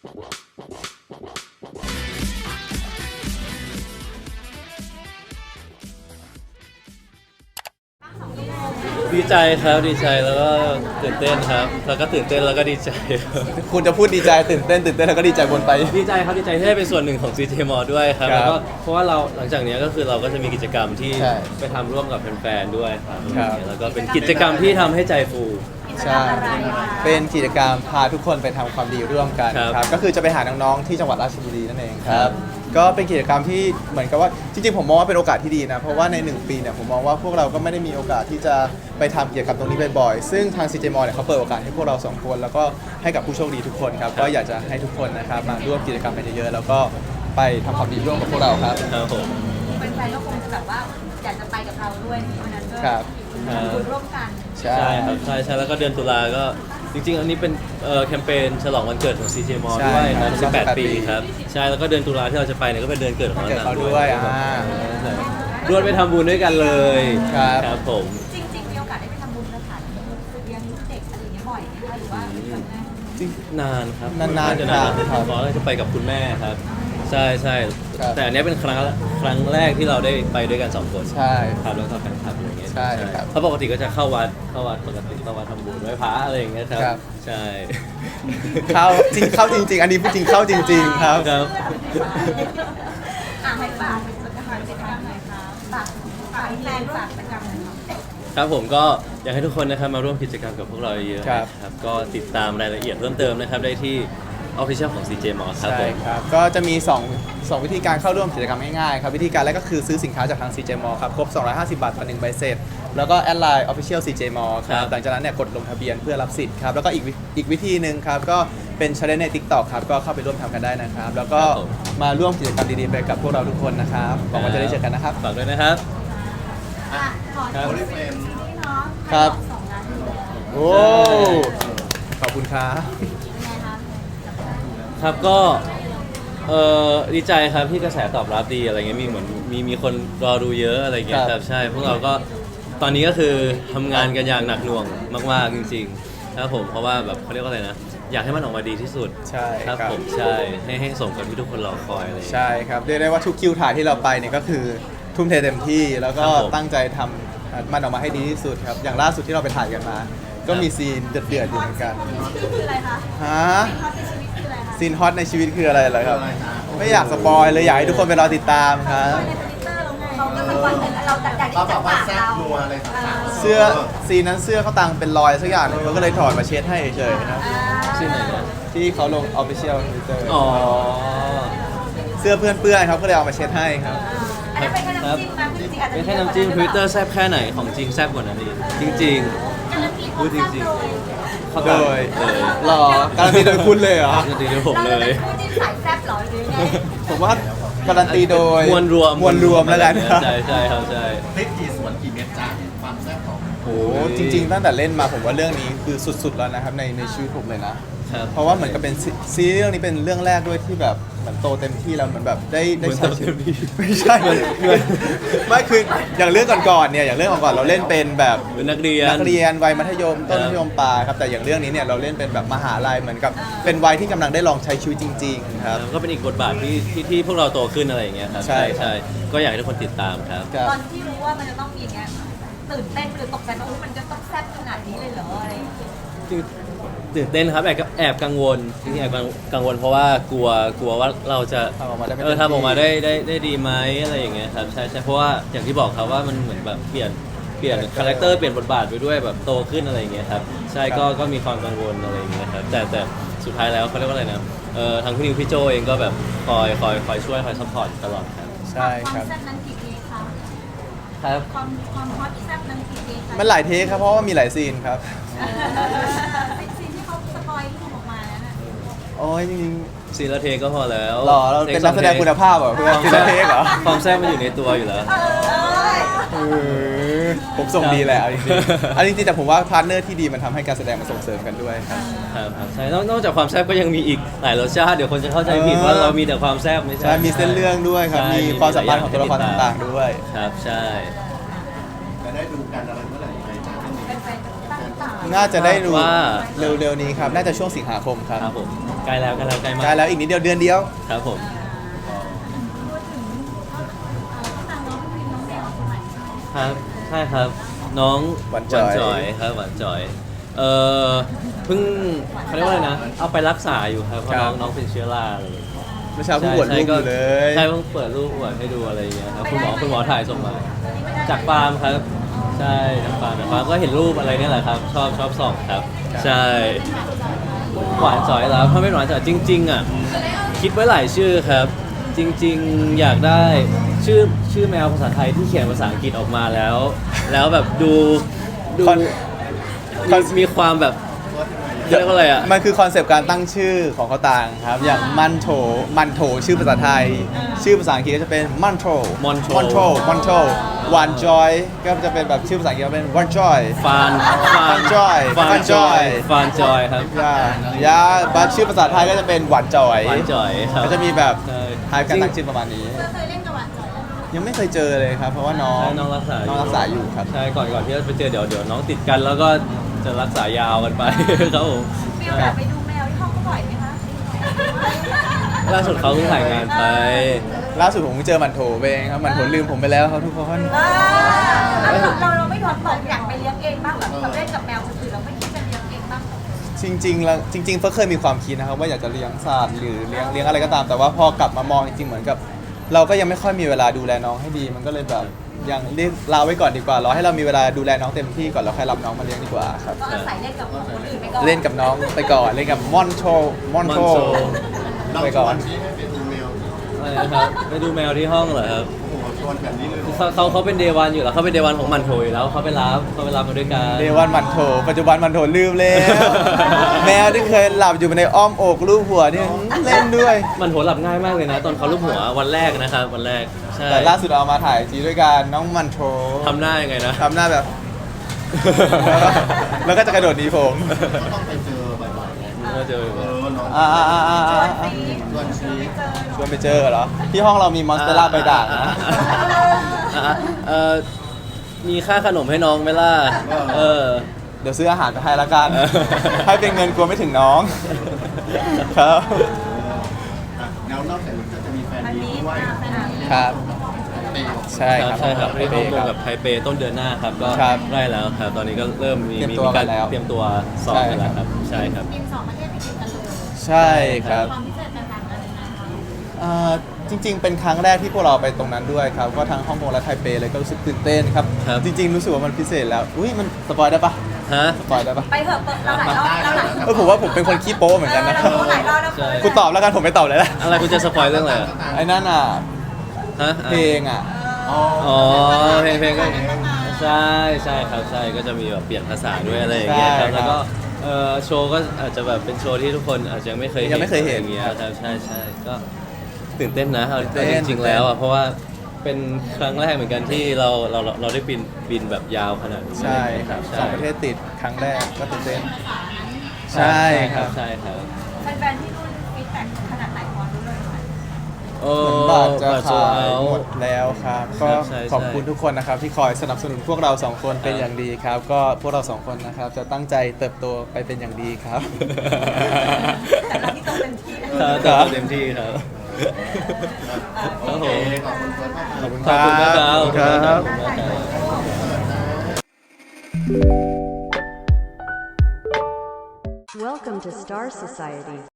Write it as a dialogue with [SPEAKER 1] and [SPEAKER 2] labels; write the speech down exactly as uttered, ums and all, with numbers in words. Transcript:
[SPEAKER 1] ดีใจครับดีใจแล้วก็ตื่นเต้นครับแล้วก็ตื่นเต้นแล้วก็ดีใจ
[SPEAKER 2] คุณจะพูดดีใจตื่นเต้นตื่นเต้นแล้วก็ดีใจบนไป
[SPEAKER 1] ดีใจครับดีใจที่ได้เป็นส่วนหนึ่งของ ซี เจ มอ ด้วยครับ
[SPEAKER 2] ครับ
[SPEAKER 1] แล้วก็เพราะว่าเราหลังจากนี้ก็คือเราก็จะมีกิจกรรมที่
[SPEAKER 2] ใช่
[SPEAKER 1] ไปทำร่วมกับแฟนๆด้วยครับ
[SPEAKER 2] ครับ
[SPEAKER 1] แล้วก็เป็นกิจกรรมที่ทำให้ใจฟู
[SPEAKER 2] ใช่ เป็นกิจกรรมพาทุกคนไปทำความดีร่วมกัน
[SPEAKER 1] ครับ
[SPEAKER 2] ครับก็คือจะไปหาน้องๆที่จังหวัดราชบุรีนั่นเองค
[SPEAKER 1] ครั
[SPEAKER 2] รับ
[SPEAKER 1] บ
[SPEAKER 2] ก็เป็นกิจกรรมที่เหมือนกับว่าจริงๆผมมองว่าเป็นโอกาสที่ดีนะเพราะว่าในหนึ่งปีเนี่ยผมมองว่าพวกเราก็ไม่ได้มีโอกาสที่จะไปทำกิจกรรมตรงนี้บ่อยๆซึ่งทาง ซี เจ มอ เนี่ยเขาเปิดโอกาสให้พวกเราสองคนแล้วก็ให้กับผู้โชคดีทุกคนครับก็อยากจะให้ทุกคนนะครับมาร่วมกิจกรรมกันเยอะๆแล้วก็ไปทำความดีร่วมกับพวกเราครับ
[SPEAKER 1] ครับผม
[SPEAKER 3] แฟนๆก็คงจะแบบว่าอยากจะไปกับเราด้วยในวันนั้นด้วย
[SPEAKER 2] ครับ
[SPEAKER 3] ทำบุญร่วมกัน
[SPEAKER 2] ใช่
[SPEAKER 1] ใช่ครับใช่ใช่แล้วก็เดือนตุลาก็จริงๆ อันนี้เป็นเอ่อแคมเปญฉลองวันเกิดของ ซี เจ มอ
[SPEAKER 2] ใช่
[SPEAKER 1] ด้วย
[SPEAKER 2] ครั
[SPEAKER 1] นะ
[SPEAKER 2] บ
[SPEAKER 1] สิบแปด
[SPEAKER 2] สิบแปด
[SPEAKER 1] ปี
[SPEAKER 2] ปี
[SPEAKER 1] ครับใช่แล้วก็เดือนตุลาที่เราจะไปเนี่ยก็เป็นเดือนเกิดของ
[SPEAKER 2] เกิด
[SPEAKER 1] เรา
[SPEAKER 2] เขาด้วยอ่า
[SPEAKER 1] รวดไปทำบุญด้วยกันเลย
[SPEAKER 2] ครับ
[SPEAKER 1] ครับผม
[SPEAKER 3] จริงๆมีโอกาสได้ไปทำบุญสถานเลี้ยงเด็กอะไรอย่างเงี้ยบ่อยไหมคะหรือว่าครั้งแรก
[SPEAKER 2] จริง
[SPEAKER 1] นานครับ
[SPEAKER 2] นานๆ
[SPEAKER 1] จะนาน
[SPEAKER 2] ครับ
[SPEAKER 1] เพราะเราจะไปกับคุณแม่ครับ ใช่ใช่
[SPEAKER 2] ครับ
[SPEAKER 1] แต่อันเนี้ยเป็นครั้งครั้งแรกที่เราได้ไปด้วยกันสองคน
[SPEAKER 2] ใช่
[SPEAKER 1] ครับแล้วก็แฟนคลับอะไรเงี้ย
[SPEAKER 2] ใช่ครับ
[SPEAKER 1] เพราะปกติก็จะเข้าวัดเข้าวัดปกติเข้าวัดทำบุญไหว้พระอะไรอย่างเงี้ยครับ
[SPEAKER 2] ครับ
[SPEAKER 1] ใช่
[SPEAKER 2] เข้าจริงเข้าจริง ๆ อันนี้พูดจริงเข้าจริง ๆ ครับ
[SPEAKER 1] ครับ
[SPEAKER 3] อ่ะให้ฝากเป็นกิจกรรมหน่อยค่ะฝากฝากแฟนฝากกิจกรรมหน่อยค่ะ
[SPEAKER 1] ครับผมก็อยากให้ทุกคนนะครับมาร่วมกิจกรรมกับพวกเราเยอะๆ
[SPEAKER 2] ครับ
[SPEAKER 1] นะครับก็ติดตามรายละเอียดเพิ่มเติมนะครับได้ที่ Official ของ ซี เจ มอ ครับผ
[SPEAKER 2] ใช่
[SPEAKER 1] ม
[SPEAKER 2] ครับ ก็จะมี2 2วิธีการเข้าร่วมกิจกรรมง่ายๆครับ วิธีการแรกก็คือซื้อสินค้าจากทาง ซี เจ มอ ครับ ครบ สองร้อยห้าสิบ บาทต่อหนึ่งใบเสร็จ แล้วก็แอดไลน์ Official ซี เจ มอ ค
[SPEAKER 1] ครั
[SPEAKER 2] รับ
[SPEAKER 1] บ
[SPEAKER 2] หลังจากนั้นเนี่ยกดลงทะเบียนเพื่อรับสิทธิ์ครับ แล้วก็อีกวิอีกวิธีหนึ่งครับ ก็เป็น challenge ใน TikTok ครับ ก็เข้าไปร่วมทำกันได้นะครับ แล้วก็มาร่วมกิจกรรมดีๆไปกับพวกเราทุกคนนะครับหวังว่าจะได้เจอกันนะครับ
[SPEAKER 1] ฝากด้วยนะครับ
[SPEAKER 3] อ่ะขอ
[SPEAKER 1] ครับ
[SPEAKER 3] ที่นี่เนาะ
[SPEAKER 2] ครับ
[SPEAKER 3] สองล้านอยู่แล้ว
[SPEAKER 2] โอ้ ขอบคุณครับ
[SPEAKER 3] เป็นไงคะ
[SPEAKER 1] ครับก็เออดีใจครับที่กระแสตอบรับดีอะไรเงี้ยมีเหมือนมีมีคนรอดูเยอะอะไรเงี้ย
[SPEAKER 2] ครับ
[SPEAKER 1] ครับใช่พวกเราก็ตอนนี้ก็คือทำงานกันอย่างหนักหน่วงมากๆจริงๆครับผมเพราะว่าแบบเขาเรียกว่าอะไรนะอยากให้มันออกมาดีที่สุด
[SPEAKER 2] ใช่
[SPEAKER 1] ครับ
[SPEAKER 2] ครับ
[SPEAKER 1] ผมใช่ให้ให้สมกับที่ทุกคนรอคอยอะไรอย่างเงี้ย
[SPEAKER 2] ใช่ครับเรียกได้ว่าทุกคิวถ่ายที่เราไปเนี่ยก็คือทุ่มเทเต็มที่แล้วก็
[SPEAKER 1] ครับผม
[SPEAKER 2] ตั้งใจทำมันออกมาให้ดีที่สุดครับ อย่างล่าสุดที่เราไปถ่ายกันมา ก็มีซีนเดือดๆอยู่เหมือนกัน
[SPEAKER 3] คืออะไรคะ
[SPEAKER 2] ฮะ
[SPEAKER 3] ซีนฮอตในชีวิตคืออะไรคะ
[SPEAKER 2] ซีนฮอตในชีวิตคืออะไรเหรอครับ ไม่อยากสปอยเลยอยากให้ทุกคนไปรอติดตามครับ
[SPEAKER 3] ในทวิตเตอร์เราไงเขาก็สปอยล์เราจากจาก
[SPEAKER 4] เรา
[SPEAKER 3] ที่
[SPEAKER 4] แบ
[SPEAKER 3] จาก
[SPEAKER 4] บว่า
[SPEAKER 3] ปาก
[SPEAKER 4] แซ่บ
[SPEAKER 3] เรา
[SPEAKER 4] นัวอะไรต่างๆ
[SPEAKER 2] เสื้อซีนนั้นเสื้อเขาตังเป็นรอยสักอย่างหนึงเขาก็เลยถอดมาเช็ดให้เฉยๆครับ
[SPEAKER 3] อ่า
[SPEAKER 1] ชื่อไหนนะ
[SPEAKER 2] ที่เขาลง Official Twitter
[SPEAKER 1] อ๋อ
[SPEAKER 2] เสื้อเพื่อนเปื้อนๆครับก็เลยเอามาเช็ดให้ครับ
[SPEAKER 3] อันนั้นเป็นแค่น้ำจิ้มนะจริงๆอาจจะ
[SPEAKER 1] เป็นแค่น้ำจิ้ม Twitter แซ่บแค่ไหนของจริงแซ่บกว่านั้นอีกจริงๆพูดจริงๆเขา
[SPEAKER 2] โด
[SPEAKER 1] ตาม
[SPEAKER 2] ย
[SPEAKER 1] เลย
[SPEAKER 2] หรอการันตีโดยคุณเลยเหรอ
[SPEAKER 1] จริงๆโดยผม
[SPEAKER 3] เรา
[SPEAKER 1] เล
[SPEAKER 3] จะเป็
[SPEAKER 1] ย
[SPEAKER 3] นคู่จิ้นสายแซ่บเหรอหรือยังไง
[SPEAKER 2] ผมว่าการันตีโดย
[SPEAKER 1] มวลรวม
[SPEAKER 2] มวลรวมแล้วกันครับ
[SPEAKER 1] ใช่ใช่ครับใช่
[SPEAKER 4] พริกกี่ส่วนกี่เม็ดจ้าความแซ่บของ
[SPEAKER 2] โอ้โหจริง ๆ ตั้งแต่เล่นมาผมว่าเรื่องนี้คือสุดๆแล้วนะครับในในชีวิตผมเลยนะ
[SPEAKER 1] ครับ
[SPEAKER 2] เพราะว่าเหมือนกับเป็นซีซีรีส์เรื่องนี้เป็นเรื่องแรกด้วยที่แบบเหมือนโตเต็มที่แล้วเหมือนแบบได้ได้ใช้ชีวิตไม่ใช่ไม่คืออย่างเรื่องก่อนๆเนี่ยอย่างเรื่องก่อนๆเราเล่นเป็นแบบ
[SPEAKER 1] เป็นนักเรียน
[SPEAKER 2] นักเรียนวัยมัธยมต้น
[SPEAKER 1] ครับ
[SPEAKER 2] มัธยมปลายครับแต่อย่างเรื่องนี้เนี่ยเราเล่นเป็นแบบมหาลัยเหมือนกับเป็นวัยที่กำลังได้ลองใช้ชีวิตจริง ๆ ครับ
[SPEAKER 1] ก็เป็นอีกบทบาทที่ที่ที่พวกเราโตขึ้นอะไรอย่างเงี้ยครับ
[SPEAKER 2] ใช่ครับ
[SPEAKER 1] ใช่ก็อยากให้ทุกคนติดตามครับ
[SPEAKER 2] ครับ
[SPEAKER 3] ตอนที่รู้ว่ามันจะต้องมีอย่างเงี้ยตื่นเต้นหรือตกใจว่าอุ๊ยมันจะต้องแซ่บขนาดนี้เลยเหรออะไรอย่างเงี้ย
[SPEAKER 1] ตื่นเต้นครับแอบแอบกังวลจริงๆแอบกังวลเพราะว่ากลัวกลัวว่าเราจะ
[SPEAKER 2] ทำออกมาได้ไม่
[SPEAKER 1] เออ
[SPEAKER 2] เต็มที่
[SPEAKER 1] ทำออกมาได้ได้ได้ดีไหมอะไรอย่างเงี้ยครับใช่ใช่เพราะว่าอย่างที่บอกครับว่ามันเหมือนแบบเปลี่ยนเปลี่ยนคาแรคเตอร์เปลี่ยนบทบาทไปด้วยแบบโตขึ้นอะไรอย่างเงี้ยครับใช่ก็ก็มีความกังวลอะไรอย่างเงี้ยครับแต่แต่สุดท้ายแล้วเขาเรียกว่าอะไรนะเออทางพี่นิวพี่โจเองก็แบบคอยคอยคอยช่วยคอยซัพพอร์ตตลอดครับ
[SPEAKER 2] ใช่
[SPEAKER 3] ความ
[SPEAKER 2] ครับ
[SPEAKER 3] แซ่บนั้นกี่เทคคะ
[SPEAKER 1] ครับ
[SPEAKER 3] ความความฮอตแซ่บนั้นกี่เทคคะ
[SPEAKER 2] มันหลายเทคครับเพราะว่ามีหลายซีนครับ
[SPEAKER 3] เป็นซีนที่เขาสปอยที่ถูกออกมาแล้วน่ะ
[SPEAKER 2] โอ้ยจริง
[SPEAKER 1] ซีนละเทก็พอแล้ว
[SPEAKER 2] ๆหล่อเราเป็นนักแสดงคุณภาพเหรอเพื่อนซีนละเทคเหรอ
[SPEAKER 1] ความแซ่บมันอยู่ในตัวอยู่แล้ว
[SPEAKER 3] เออ
[SPEAKER 2] เออผมส่งดีแหละเอาจริงๆเอาจริงๆแต่ผมว่าพาร์ทเนอร์ที่ดีมันทำให้การแสดงมันส่งเสริมกันด้วยครับ
[SPEAKER 1] ครับครับใช่นอกนอกจากความแซ่บก็ยังมีอีกหลายรสชาติเดี๋ยวคนจะเข้าใจผิดว่าเรามีแต่ความแซ่บไม่ใช่
[SPEAKER 2] ใช่มีเส้นเรื่องด้วยครับ
[SPEAKER 1] ใช่
[SPEAKER 2] มีความสัมพันธ์ของตัวละครต่างๆด้วย
[SPEAKER 1] ครับใช่
[SPEAKER 4] จะได้ดูกันอะไรเมื่อไหร่ยังไงจ้า
[SPEAKER 3] เป็นแฟนตั้งตา
[SPEAKER 2] น่าจะได้ดู
[SPEAKER 1] ว่า
[SPEAKER 2] เร็วๆนี้ครับ น่าจะช่วงสิงหาคมครับ
[SPEAKER 1] ครับผม
[SPEAKER 3] อ
[SPEAKER 1] ใกล้แล้วใกล้แล้วใกล้มาก
[SPEAKER 2] ใกล้แล้วอีกนิดเดียวเดือนเดียว
[SPEAKER 1] ครับผม
[SPEAKER 3] พูดถึงเขาตามน้องพิมน้องแมวคนไหน
[SPEAKER 1] ครับใช่ครับน้อง
[SPEAKER 2] หวานจ่อย
[SPEAKER 1] อยครับหวานจ่อยเอ่อเพิ่งเขาเรียกว่าอะไรนะเอาไปรักษาอยู่ครับเพราะน้องน้องเป็นเชื้อราอะไรอย่างเงี้ย
[SPEAKER 2] เมื่อเช้าเพิ่งบวชลูกอยู่เลย
[SPEAKER 1] ใช่เพิ่งเปิดรูปอวดให้ดูอะไรอย่างเงี้ยครับคุณหมอคุณหมอถ่ายส่งมา จากฟาร์มครับ ใช่จากฟาร์มจากฟาร์มก็เห็นรูปอะไรเนี่ยแหละครับ ชอบชอบส่องครับ ใช่หวานจ่อยแล้วถ้าไม่หวานจ่อยจริงๆอ่ะคิดไว้หลายชื่อครับ จริงๆอยากได้ชื่อชื่อแมวภาษาไทยที่เขียนภาษาอังกฤษออกมาแล้ว แล้วแบบดูดู
[SPEAKER 2] คอน
[SPEAKER 1] มีมีความแบบเรียกว่าอะไรอ่ะ
[SPEAKER 2] มันคือคอนเซปต์การตั้งชื่อของเขาต่างครับ อย่างมันโถมันโถชื่อภาษาไทย ชื่อภาษาอังกฤษก็จะเป็นมันโถ
[SPEAKER 1] Monto
[SPEAKER 2] มันโถมันโถวานจอยก็จะเป็นแบบชื่อภาษาอังกฤษก็เป็นวันจอย
[SPEAKER 1] ฟานฟาน
[SPEAKER 2] Joy
[SPEAKER 1] ฟาน
[SPEAKER 2] Fun
[SPEAKER 1] จอย
[SPEAKER 2] Joy
[SPEAKER 1] ฟานจอยครับ
[SPEAKER 2] ย่าย่าบัตชื่อภาษาไทยก็จะเป็นหวานจอย
[SPEAKER 1] หวานจ่อยครับ
[SPEAKER 2] ก็จะมีแบบ
[SPEAKER 1] ใช่
[SPEAKER 2] ทายการตั้งชื่อประมาณนี้
[SPEAKER 3] เธอเคยเล่นกับหวานจ่อยไหม
[SPEAKER 2] ยังไม่เคยเจอเลยครับ เพราะว่าน้อง
[SPEAKER 1] ใช่น้องรักษา
[SPEAKER 2] น้องรักษาอยู่ครับ
[SPEAKER 1] ใช่ก่อนก่อนที่จะไปเจอเดี๋ยวเดี๋ยวน้องติดกันแล้วก็จะรักษายาวกันไป ครับผม
[SPEAKER 3] มีโอกาสไปดูแมวที่ห้องเขาบ่อยไหมคะ
[SPEAKER 1] ล่าสุดเขาเพิ่งถ่ายงานไป
[SPEAKER 2] ล่าสุดผมเพิ่งเจอหมันโถไปเองครับหมันโถลืมผมไปแล้วครับทุกคน
[SPEAKER 3] เออเราเราไม่ถอดบอกอยากไปเลี้ยงเองบ้างแบบเราเล่นกับแมวคนอื่นเราไม่คิดจะเลี้ยงเองบ้าง
[SPEAKER 2] จริงๆแล้วจริงๆเฟิร์สเคยมีความคิดนะครับว่าอยากจะเลี้ยงสัตว์หรือเลี้ยงเลี้ยงอะไรก็ตาม แต่ว่าพอกลับมามองจริงๆเหมือนกับ เราก็ยังไม่ค่อยมีเวลาดูแลน้องให้ดี มันก็เลยแบบยังเรียกลาไว้ก่อนดีกว่ารอให้เรามีเวลาดูแลน้องเต็มที่ก่อนแล้วค่อยรับน้องมาเลี้ยงดีกว่าครับ
[SPEAKER 3] ก็อาศัยเล่นกับคนอื่นไปก่อน
[SPEAKER 2] เล่นกับน้องไปก่อนเล่นกับมอนโชมอนโช
[SPEAKER 1] Monto
[SPEAKER 4] เรา
[SPEAKER 2] ไป
[SPEAKER 4] ช
[SPEAKER 2] ก่อ
[SPEAKER 4] วน นที่ให้ไปดูแมว
[SPEAKER 1] อะไรนะครับไปดูแมวที่ห้องเหรอครับ
[SPEAKER 4] โอ้โหชวนแบบนี้เลยเหรอ
[SPEAKER 1] เขาเขาเขาเป็นเดวันอยู่แล้วเขาเป็นเดวันของมันโถอยู่แล้วเขาไปรับเขาไปรับมาด้วยกัน
[SPEAKER 2] เดวันหมันโถปัจจุบันหมันโถลืมแล้ว แมวที่เคยหลับอยู่ในอ้อมอกลูบหัวเนี่ยเล่นด้วย
[SPEAKER 1] มันโถหลับง่ายมากเลยนะ ตอนเขาลูบหัววันแรกนะครับวันแรกใช่
[SPEAKER 2] แต่ล่าสุดเอามาถ่ายจีด้วยกันน้องหมันโถ
[SPEAKER 1] ทำหน้ายังไงนะ
[SPEAKER 2] ทำหน้าแบบ แล้วก็จะกระโดดหนีผม
[SPEAKER 4] ก็ต้องไปเจอบ่อยๆไง
[SPEAKER 1] ก็เจอ
[SPEAKER 4] เออน้อง
[SPEAKER 2] อ่าอ่าอ่าอ่า
[SPEAKER 3] ช
[SPEAKER 2] อ่า
[SPEAKER 3] วนซี
[SPEAKER 4] ชวนซี
[SPEAKER 2] ชวนไปเจอเหรอ ที่ห้องเรามีมอนสเตอร่าใบด่างนะ
[SPEAKER 1] อ่ะอ่ะเอ่อมีค่าขนมให้น้องไหมล่ะเออ
[SPEAKER 2] เดี๋ยวซื้ออาหารไปให้ละกัน
[SPEAKER 1] เออ
[SPEAKER 2] ให้เป็นเงินกลัวไม่ถึงน้อง ครับ
[SPEAKER 4] อ่ะแล้วนอกจากนี้ก็จะมีแฟน
[SPEAKER 3] อัน
[SPEAKER 4] มี
[SPEAKER 3] นี้
[SPEAKER 4] ด้วย
[SPEAKER 3] อ่ะแฟนมี
[SPEAKER 2] ครับ
[SPEAKER 4] เตะ
[SPEAKER 2] ใช่ครับ
[SPEAKER 1] ใช่ครับ
[SPEAKER 2] ไท
[SPEAKER 1] ให้
[SPEAKER 2] เป
[SPEAKER 1] ร่วม
[SPEAKER 2] ค
[SPEAKER 1] มือ
[SPEAKER 2] รับ
[SPEAKER 1] กับไทเปต้นเดือนหน้าครับก็
[SPEAKER 2] ครับ
[SPEAKER 1] ใกล้แล้วครับ ตอนนี้ก็เริ่มมี
[SPEAKER 2] เตรียม
[SPEAKER 1] มี
[SPEAKER 2] ตัว
[SPEAKER 1] การ
[SPEAKER 2] กันแล้ว
[SPEAKER 1] เตรียมตัวสอบกันแล้วครับใช่ครับ
[SPEAKER 3] บินสองประเทศไปติดกันเลย
[SPEAKER 2] ใช่ครับ
[SPEAKER 3] ความพิเศษแตกต่างกันยังไงคะ
[SPEAKER 2] อ่าจริง ๆ เป็นครั้งแรกที่พวกเราไปตรงนั้นด้วยครับก็ทั้งฮ่องกงและไทเปเลยก็รู้สึกตื่นเต้นครับ
[SPEAKER 1] ครับ
[SPEAKER 2] จริง ๆ รู้สึกว่ามันพิเศษแล้ว อุ้ยมันสปอยได้ปะ
[SPEAKER 1] ฮะ
[SPEAKER 2] สปอยได้ปะ
[SPEAKER 3] ไปเถอะเปิดเราหลายรอบเราหลาย
[SPEAKER 2] เออผมว่าผมเป็นคนขี้โป๊เหมือนกันนะ
[SPEAKER 3] เราหลายรอบแล้ว
[SPEAKER 1] ใช่
[SPEAKER 2] กูตอบแล้วกันผมไม่ตอบเลยละ
[SPEAKER 1] อะไรคุณจะสปอยเรื่องอะไรอะ
[SPEAKER 2] ไอ้นั่นอ่ะ
[SPEAKER 1] ฮะ
[SPEAKER 2] เพลงอ่ะ
[SPEAKER 4] อ๋อ
[SPEAKER 1] อ๋อเพลงเพลงก็ใช่ใช่ครับใช่ก็จะมีแบบเปลี่ยนภาษาด้วยอะไรอย่างเงี้ยครับ
[SPEAKER 2] ใช่ครับ
[SPEAKER 1] แล้วก็เอ่อโชว์ก็อาจจะแบบเป็นโชว์ที่ทุกคนอาจจะยังไม่เคยเห็น
[SPEAKER 2] ยังไม่เคยเห็น
[SPEAKER 1] อะไรอย่างเงี้ย
[SPEAKER 2] ครับ
[SPEAKER 1] ครับใช่ใช่ก็ตื่นเต้นนะเอา
[SPEAKER 2] ตื่นเต้น
[SPEAKER 1] จริงๆแล้วอ่ะเพราะว่าเป็นครั้งแรกเหมือนกันที่เราเราเราเราได้บินบินแบบยาวขนาดนี้
[SPEAKER 2] ใช่ครับส
[SPEAKER 1] ใช่
[SPEAKER 2] องประเทศติดครั้งแรกก็ตื่นเต้น
[SPEAKER 1] ใช่
[SPEAKER 2] ใช่ครับ
[SPEAKER 1] ใช่ครับ
[SPEAKER 3] แฟนๆที่นู่นฟีดแบ็กขนาดไหนพอรู้เลยไหม
[SPEAKER 1] โอ้
[SPEAKER 2] เหมือนบัตรจะ
[SPEAKER 1] บัตรโซ
[SPEAKER 2] ขาย
[SPEAKER 1] เอา
[SPEAKER 2] หมดแล้วครับ
[SPEAKER 1] ครั
[SPEAKER 2] ก็
[SPEAKER 1] บใช่
[SPEAKER 2] ขอบ
[SPEAKER 1] ใช่
[SPEAKER 2] คุณทุกคนนะครับ ที่คอยสนับสนุนพวกเราสองคนเป็น
[SPEAKER 1] ครับ
[SPEAKER 2] อย่างดีครับ ก็พวกเราสองคนนะครับ จะตั้งใจเติบโตไปเป็นอย่างดีครับ
[SPEAKER 3] แต่เราที่โตเต็มที่นะ
[SPEAKER 1] ครับ
[SPEAKER 2] ครับ
[SPEAKER 1] เต็มที่ครับ
[SPEAKER 4] โอเคขอบคุณเฟิร์สมาก
[SPEAKER 2] ขอบคุณ
[SPEAKER 1] ขอบคุณมากครับ
[SPEAKER 2] ขอบคุณครับ
[SPEAKER 1] ขอบคุณมากครับ
[SPEAKER 5] Welcome to Star Society.